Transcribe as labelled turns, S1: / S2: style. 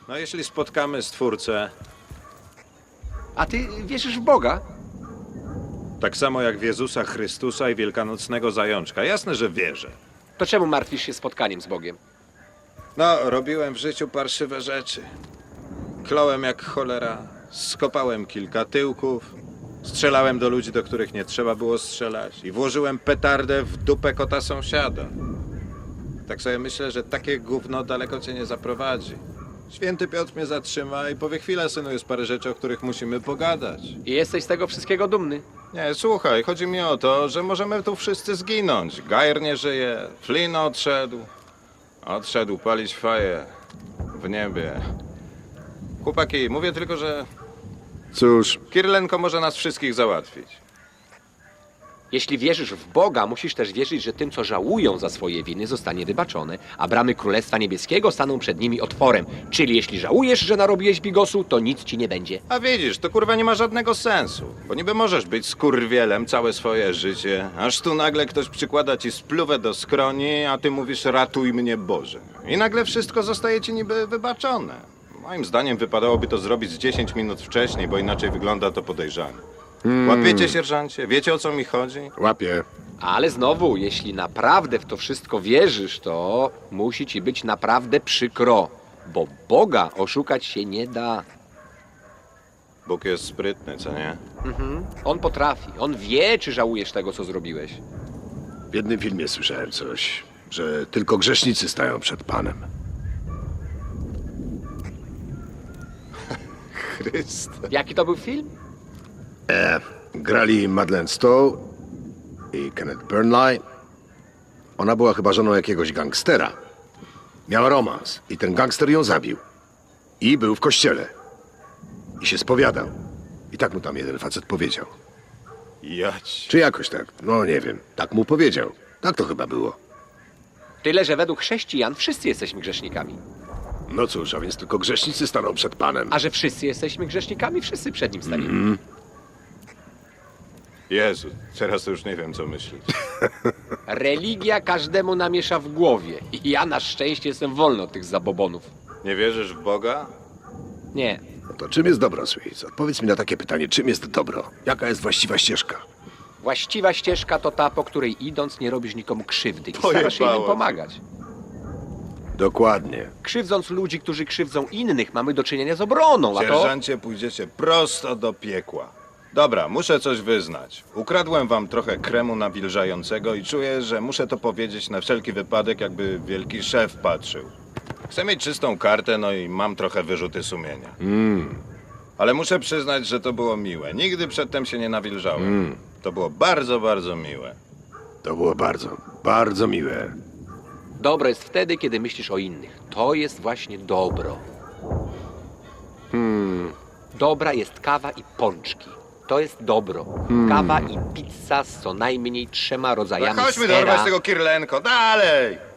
S1: No jeśli spotkamy Stwórcę,
S2: A ty wierzysz w Boga?
S1: tak samo jak w Jezusa Chrystusa i wielkanocnego zajączka, jasne, że wierzę.
S2: To czemu martwisz się spotkaniem z Bogiem?
S1: No, robiłem w życiu parszywe rzeczy. Klołem jak cholera, skopałem kilka tyłków, strzelałem do ludzi, do których nie trzeba było strzelać i włożyłem petardę w dupę kota sąsiada. Tak sobie myślę, że takie gówno daleko cię nie zaprowadzi. Święty Piotr mnie zatrzyma i powie: chwila, synu, jest parę rzeczy, o których musimy pogadać.
S2: I jesteś z tego wszystkiego dumny.
S1: Nie, słuchaj, chodzi mi o to, że możemy tu wszyscy zginąć. Gajer nie żyje, Flynn odszedł. Odszedł palić faję w niebie. Chłopaki, mówię tylko, że
S3: Cóż,
S1: Kirlenko może nas wszystkich załatwić.
S2: Jeśli wierzysz w Boga, musisz też wierzyć, że tym, co żałują za swoje winy, zostanie wybaczone, a bramy Królestwa Niebieskiego staną przed nimi otworem. Czyli jeśli żałujesz, że narobiłeś bigosu, to nic ci nie będzie.
S1: A widzisz, to kurwa nie ma żadnego sensu. Bo niby możesz być skurwielem całe swoje życie, aż tu nagle ktoś przykłada ci spluwę do skroni, a ty mówisz: ratuj mnie Boże. I nagle wszystko zostaje ci niby wybaczone. Moim zdaniem wypadałoby to zrobić z 10 minut wcześniej, bo inaczej wygląda to podejrzanie. Łapiecie, sierżancie? Wiecie, o co mi chodzi?
S3: łapię.
S2: Ale znowu, jeśli naprawdę w to wszystko wierzysz, to musi ci być naprawdę przykro, bo Boga oszukać się nie da.
S1: Bóg jest sprytny, co nie?
S2: On potrafi, on wie, czy żałujesz tego, co zrobiłeś.
S3: W jednym filmie słyszałem coś, że tylko grzesznicy stają przed Panem.
S1: Chryste.
S2: Jaki to był film?
S3: Grali Madeleine Stowe i Kenneth Burnley. Ona była chyba żoną jakiegoś gangstera. Miała romans i ten gangster ją zabił. I był w kościele. I się spowiadał. I tak mu tam jeden facet powiedział.
S1: Jać.
S3: Czy jakoś tak? No nie wiem. Tak mu powiedział. Tak to chyba było.
S2: Tyle, że według chrześcijan wszyscy jesteśmy grzesznikami.
S3: No cóż, a więc tylko grzesznicy staną przed Panem.
S2: A że wszyscy jesteśmy grzesznikami, wszyscy przed nim staniemy.
S1: Jezu, teraz to już nie wiem, co myśleć.
S2: Religia każdemu namiesza w głowie. I ja na szczęście jestem wolny od tych zabobonów.
S1: Nie wierzysz w Boga?
S2: Nie.
S3: No to czym jest dobro, Sweet? Odpowiedz mi na takie pytanie, czym jest dobro? Jaka jest właściwa ścieżka?
S2: Właściwa ścieżka to ta, po której idąc nie robisz nikomu krzywdy i starasz się
S1: Pojebało
S2: innym
S1: cię.
S2: pomagać.
S3: Dokładnie.
S2: Krzywdząc ludzi, którzy krzywdzą innych, mamy do czynienia z obroną, a to...
S1: Sierżancie, pójdziecie prosto do piekła. Dobra, muszę coś wyznać. Ukradłem wam trochę kremu nawilżającego i czuję, że muszę to powiedzieć na wszelki wypadek, jakby wielki szef patrzył. Chcę mieć czystą kartę, no i mam trochę wyrzuty sumienia. Ale muszę przyznać, że to było miłe. Nigdy przedtem się nie nawilżałem. To było bardzo, bardzo miłe.
S3: To było bardzo, bardzo miłe.
S2: Dobro jest wtedy, kiedy myślisz o innych. To jest właśnie dobro. Dobra jest kawa i pączki. To jest dobro. Kawa i pizza z co najmniej 3 rodzajami
S1: No chodźmy
S2: sera.
S1: dorwać tego Kirlenko, dalej!